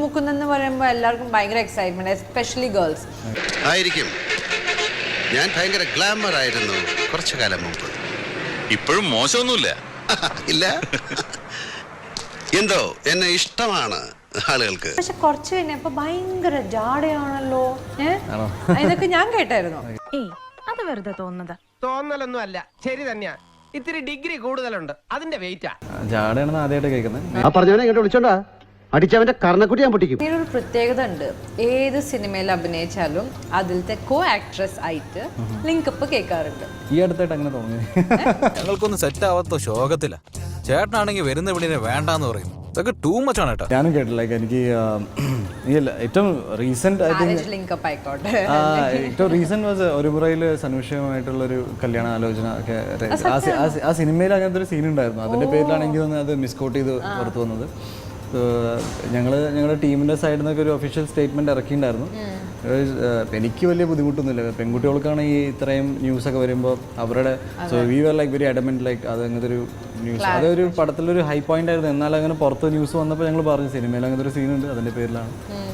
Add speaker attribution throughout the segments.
Speaker 1: മുക്കുന്നെന്ന് പറയുമ്പോൾ എല്ലാവർക്കും ഭയങ്കര എക്സൈറ്റ്മെന്റ്, എസ്പെഷ്യലി ഗേൾസ്
Speaker 2: ആയിരിക്കും. ഞാൻ ഭയങ്കര ഗ്ലാമർ ആയിരുന്നു കുറച്ചു കാലം മുമ്പ്.
Speaker 3: ഇപ്പോഴും മോശമൊന്നുമില്ല.
Speaker 2: ഇല്ല, എന്തോ എന്നെ ഇഷ്ടമാണ് ആളുകൾക്ക്.
Speaker 1: പക്ഷെ കുറച്ച് കഴിഞ്ഞപ്പോ ഭയങ്കര ജാടയാണല്ലോ. ഇതൊക്കെ ഞാൻ കേട്ടായിരുന്നു.
Speaker 4: അത് വെറുതെ
Speaker 5: തോന്നലൊന്നും അല്ല, ശരി തന്നെയാ. ഇത്തിരി ഡിഗ്രി കൂടുതലുണ്ട്, അതിന്റെ വെയിറ്റാ.
Speaker 6: ജാടയാണെന്ന് ആദ്യമായിട്ട് കേൾക്കുന്നത്.
Speaker 7: ആ പറഞ്ഞവനെ ഇങ്ങോട്ട് വിളിച്ചോണ്ടാ അടിച്ചവന്റെ കർണക്കുട്ടി ഞാൻ പൊട്ടിക്കും.
Speaker 1: ഇതിനൊരു പ്രത്യേകത ഉണ്ട്, ഏത് സിനിമയിൽ അഭിനയിച്ചാലും അതിലത്തെ കോ ആക്ട്രസ് ആയിട്ട് ലിങ്കപ്പ് കേൾക്കാറുണ്ട്.
Speaker 6: ഈ അടുത്തായിട്ട് അങ്ങനെ തോന്നി.
Speaker 3: ഞങ്ങൾക്കൊന്നും സെറ്റ് ആവാത്ത ശോകത്തില്ല. ചേട്ടനാണെങ്കിൽ വരുന്ന വിളിനെ വേണ്ടാന്ന് പറയും. ഇതൊക്കെ ടൂ മച്ച് ആണ് കേട്ടോ.
Speaker 6: ഞാനും കേട്ടില്ല. എനിക്ക് ഏറ്റവും റീസെന്റ്
Speaker 1: ലിങ്കപ്പ് ആയിക്കോട്ടെ.
Speaker 6: ഏറ്റവും റീസെന്റ് വാസ് ഒരു മുറയിൽ സനുഷയുമായിട്ടുള്ള ഒരു കല്യാണ ആലോചന ഒക്കെ. ആ സിനിമയിൽ അങ്ങനത്തെ ഒരു സീൻ ഉണ്ടായിരുന്നു. അതിന്റെ പേരിലാണ് എനിക്ക് തോന്നുന്നത് അത് മിസ്കോട്ട് ചെയ്ത് പുറത്തു വന്നത്. ഞങ്ങളുടെ ടീമിന്റെ സൈഡിൽ നിന്നൊക്കെ ഒരു ഒഫീഷ്യൽ സ്റ്റേറ്റ്മെന്റ് ഇറക്കിയിട്ടുണ്ടായിരുന്നു. എനിക്ക് വലിയ ബുദ്ധിമുട്ടൊന്നുമില്ല. പെൺകുട്ടികൾക്കാണ് ഈ ഇത്രയും ന്യൂസൊക്കെ വരുമ്പോൾ അവരുടെ so we were like very adamant like അത് അങ്ങനത്തെ ഒരു ന്യൂസ് അതൊരു പടത്തിലൊരു ഹൈ പോയിന്റ് ആയിരുന്നു. എന്നാൽ അങ്ങനെ പുറത്ത് ന്യൂസ് വന്നപ്പോൾ ഞങ്ങൾ പറഞ്ഞു സിനിമയിൽ അങ്ങനത്തെ ഒരു സീനുണ്ട്, അതിന്റെ പേരിലാണ്.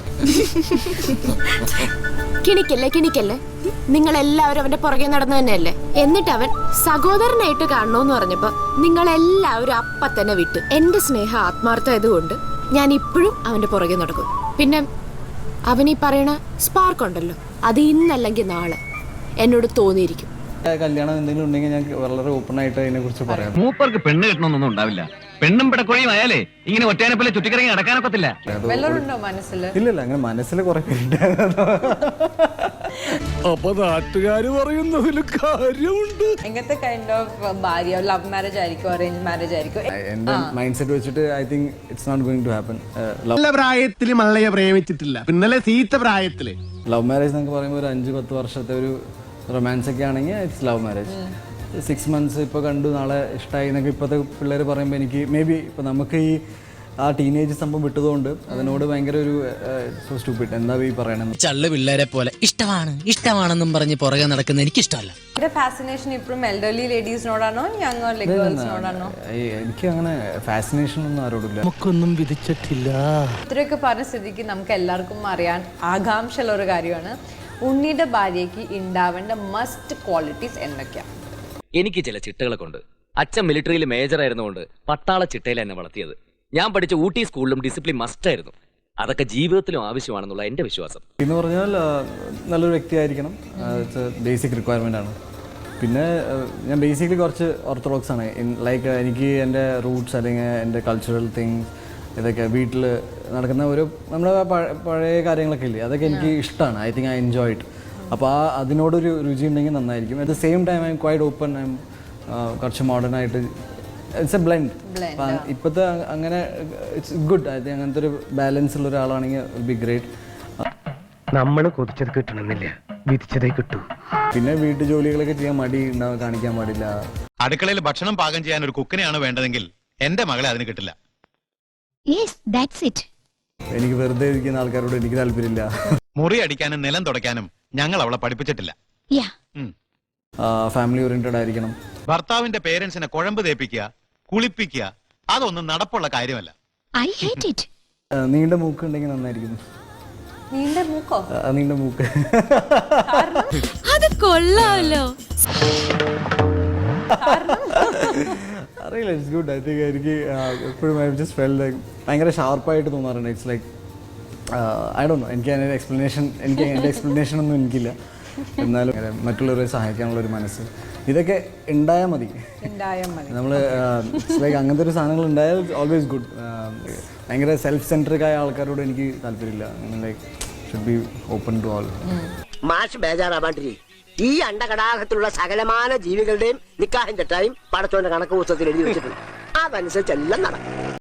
Speaker 4: കിണിക്കല്ലേ നിങ്ങൾ എല്ലാവരും അവന്റെ പുറകെ നടന്നു തന്നെയല്ലേ. എന്നിട്ട് അവൻ സഹോദരനായിട്ട് കാണണോന്ന് പറഞ്ഞപ്പോ നിങ്ങൾ എല്ലാവരും അപ്പ തന്നെ വിട്ടു. എന്റെ സ്നേഹം ആത്മാർത്ഥമായതുകൊണ്ട് ഞാൻ ഇപ്പോഴും അവന്റെ പുറകെ നടക്കും. പിന്നെ അവനീ പറയണ സ്പാർക്ക് ഉണ്ടല്ലോ, അത് ഇന്നല്ലെങ്കിൽ നാളെ എന്നോട് തോന്നിയിരിക്കും.
Speaker 6: കല്യാണം എന്തെങ്കിലും ഉണ്ടെങ്കിൽ ഞാൻ വളരെ ഓപ്പൺ ആയിട്ട് അതിനെ കുറിച്ച് പറയാം.
Speaker 8: മൂപ്പർക്ക് പെണ്ണ് കിട്ടണമെന്നൊന്നും ഉണ്ടാവില്ല. പെണ്ണും പിടക്കൊഴിയും ആയാലേ ഇങ്ങനെ ഒറ്റയാനെ പോലെ ചുറ്റിക്കറങ്ങി നടക്കാനൊക്കത്തില്ല.
Speaker 1: വല്ലതുണ്ടോ മനസ്സിൽ?
Speaker 6: ഇല്ല, അങ്ങനെ മനസ്സിൽ കുറെ പേരുണ്ടായിരുന്നു.
Speaker 9: അപ്പൊ നാട്ടുകാര് പറയുന്നതിൽ കാര്യമുണ്ട്.
Speaker 1: എങ്ങനത്തെ കൈൻഡ് ഓഫ് ഭാര്യ? ലവ് മാരേജ് ആയിരിക്കും, അറേഞ്ച് മാരേജ് ആയിരിക്കും?
Speaker 6: എന്റെ മൈൻഡ് സെറ്റ് വെച്ചിട്ട് I think it's not going to happen.
Speaker 9: നല്ല പ്രായത്തില് മള്ളയെ പ്രേമിച്ചിട്ടില്ല, പിന്നലെ സീത്ത പ്രായത്തില്.
Speaker 6: ലവ് മാരേജ് എന്നൊക്കെ പറയുമ്പോൾ ഒരു 5-10 വർഷത്തെ ഒരു റൊമാൻസ് ഒക്കെ ആണെങ്കിൽ ഇറ്റ്സ് ലവ് മാരേജ്. 6 months ഇപ്പോൾ കണ്ടു, നാളെ ഇഷ്ടമായി എന്നൊക്കെ ഇപ്പോഴത്തെ പിള്ളേർ പറയുമ്പോൾ എനിക്ക് മേ ബി ഇപ്പോൾ നമുക്ക് ഈ ആ ടീനേജ് സംഭവം വിട്ടതുകൊണ്ട് അതിനോട് ഭയങ്കര ഒരു സോ സ്റ്റുപ്പിഡ് എന്താ ഈ പറയണത്.
Speaker 10: ചള്ളു പിള്ളേരെ പോലെ ഇഷ്ടമാണെന്നും പറഞ്ഞ് പുറകെ നടക്കുന്ന എനിക്കിഷ്ടമല്ല.
Speaker 1: ഫാസിനേഷൻ ഇപ്പോഴും എൽഡർലി ലേഡീസിനോടാണോ യങ്ങർ ഗേൾസിനോടാണോ?
Speaker 6: എനിക്ക് അങ്ങനെ ഫാസിനേഷൻ ഒന്നും ആരോടില്ല.
Speaker 9: നമുക്കൊന്നും വിധിച്ചിട്ടില്ല.
Speaker 1: ഇത്രയൊക്കെ പറഞ്ഞ സ്ഥിതിക്ക് നമുക്ക് എല്ലാവർക്കും അറിയാൻ ആകാംക്ഷയുള്ള ഒരു കാര്യമാണ്, ഉണ്ണിയുടെ ഭാര്യയ്ക്ക് ഉണ്ടാവേണ്ട മസ്റ്റ് ക്വാളിറ്റീസ് എന്തൊക്കെയാ?
Speaker 8: എനിക്ക് ചില ചിട്ടകളൊക്കെ ഉണ്ട്. അച്ഛൻ മിലിറ്ററിയിൽ മേജർ ആയിരുന്നുകൊണ്ട് പട്ടാള ചിട്ടയിൽ എന്നെ വളർത്തിയത്. ഞാൻ പഠിച്ച ഊട്ടി സ്കൂളിലും ഡിസിപ്ലിൻ മസ്റ്റ് ആയിരുന്നു. അതൊക്കെ ജീവിതത്തിലും ആവശ്യമാണെന്നുള്ള എന്റെ വിശ്വാസം.
Speaker 6: എന്ന് പറഞ്ഞാൽ നല്ലൊരു വ്യക്തിയായിരിക്കണം, ബേസിക് റിക്വയർമെൻ്റ് ആണ്. പിന്നെ ഞാൻ ബേസിക്കലി കുറച്ച് ഓർത്തഡോക്സ് ആണ്. ലൈക്ക് എനിക്ക് എൻ്റെ റൂട്ട്സ് അല്ലെങ്കിൽ എൻ്റെ കൾച്ചറൽ തിങ്സ് ഇതൊക്കെ വീട്ടിൽ നടക്കുന്ന ഒരു നമ്മുടെ പഴയ കാര്യങ്ങളൊക്കെ ഇല്ലേ, അതൊക്കെ എനിക്ക് ഇഷ്ടമാണ്. I think I enjoy it. അപ്പോൾ അതിനോടൊരു രുചി ഉണ്ടെങ്കിൽ നന്നായിരിക്കും. At the same time I am quite open. I am കുറച്ച് മോഡേൺ ആയിട്ട്. It's a blend. ഇപ്പോഴത്തെ അങ്ങനെ ഇറ്റ്സ് ഗുഡ്. ഐ തിങ്ക് അങ്ങനത്തെ ഒരു ബാലൻസ് ഉള്ള ഒരാളാണെങ്കിൽ വിൽ ബി ഗ്രേറ്റ്.
Speaker 5: നമ്മൾ കൊതിച്ചത് കിട്ടണമെന്നില്ല, വിധിച്ചതേ കിട്ടൂ.
Speaker 6: പിന്നെ വീട്ടു ജോലികളൊക്കെ ചെയ്യാൻ മടി കാണിക്കാൻ പാടില്ല.
Speaker 3: അടുക്കളയിൽ ഭക്ഷണം പാകം ചെയ്യാൻ ഒരു കുക്കിനെയാണ് വേണ്ടതെങ്കിൽ എന്റെ മകളെ അതിന് കിട്ടില്ല.
Speaker 6: എനിക്ക് വെറുതെ ഇരിക്കുന്ന ആൾക്കാരോട് എനിക്ക് താല്പര്യമില്ല.
Speaker 3: മുറി അടിക്കാനും നിലം തുടയ്ക്കാനും ഞങ്ങൾ അവളെ പഠിപ്പിച്ചിട്ടില്ല.
Speaker 6: ഫാമിലി ഓറിയന്റഡ് ആയിരിക്കണം.
Speaker 3: ഭർത്താവിന്റെ പേരൻസിനെ കുഴമ്പ് തേപ്പിക്കുക, കുളിപ്പിക്കുക, അതൊന്നും നടപ്പുള്ള കാര്യമല്ല.
Speaker 6: നീണ്ട മൂക്ക് ഉണ്ടെങ്കിൽ നന്നായിരിക്കും.
Speaker 1: നീണ്ട മൂക്കോ?
Speaker 6: നീണ്ട മൂക്ക്
Speaker 4: അത് കൊള്ളാമല്ലോ.
Speaker 6: അറിയില്ല, ഇറ്റ്സ് ഗുഡ്. ഐ തിങ്ക് എനിക്ക് എപ്പോഴും ഐ ജസ്റ്റ് ഫെൽറ്റ് ലൈക്ക് ഭയങ്കര ഷാർപ്പായിട്ട് തോന്നാറുണ്ട്. It's like I don't know, എനിക്ക് അതിൻ്റെ എക്സ്പ്ലനേഷൻ ഒന്നും എനിക്കില്ല. എന്നാലും മറ്റുള്ളവരെ സഹായിക്കാനുള്ളൊരു മനസ്സ് ഇതൊക്കെ ഉണ്ടായാൽ മതി. നമ്മൾ ലൈക്ക് അങ്ങനത്തെ ഒരു സാധനങ്ങൾ ഉണ്ടായാൽ ഓൾവേസ് ഗുഡ്. ഭയങ്കര സെൽഫ് സെൻട്രിക് ആയ ആൾക്കാരോട് എനിക്ക് താല്പര്യമില്ല. Like should be open to all.
Speaker 5: മാഷ് ബേജാറാവാണ്ടിരി. ഈ അണ്ടകടാഹത്തിലുള്ള സകലമാന ജീവികളുടെയും നിക്കാഹിന്റെ ടൈം പടച്ചോന്റെ കണക്ക് പുസ്തകത്തിൽ എഴുതി വെച്ചിട്ടുണ്ട്. അതനുസരിച്ച് എല്ലാം നടക്കും.